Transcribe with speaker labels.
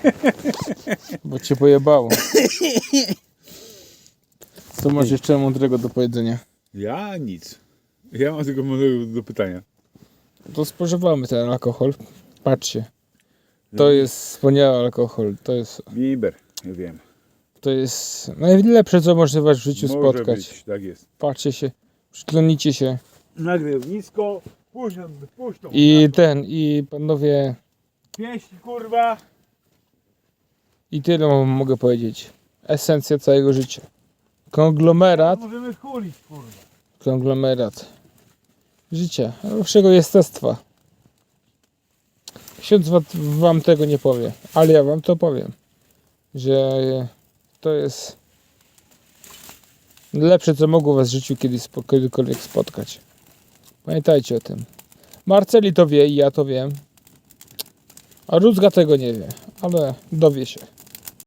Speaker 1: Bo cię pojebało. Co masz jeszcze mądrego do powiedzenia?
Speaker 2: Ja nic. Ja mam tylko mądrego do pytania.
Speaker 1: To spożywamy ten alkohol. Patrzcie. To jest wspaniały alkohol.
Speaker 2: Bimber, ja wiem.
Speaker 1: To jest najlepsze, co można was w życiu
Speaker 2: Może
Speaker 1: spotkać.
Speaker 2: być, tak jest.
Speaker 1: Patrzcie się, przyklonicie się.
Speaker 2: Nagle nisko, puszczą.
Speaker 1: I panowie,
Speaker 2: Pieśń, kurwa.
Speaker 1: i tyle wam mogę powiedzieć. Esencja całego życia. Konglomerat,
Speaker 2: Możemy chulić, kurwa.
Speaker 1: konglomerat życia, waszego jestestwa. Ksiądz wam tego nie powie, ale ja wam to powiem, że to jest lepsze, co mogło was w życiu kiedykolwiek spotkać. Pamiętajcie o tym. Marceli to wie i ja to wiem. A Rózga tego nie wie, ale dowie się.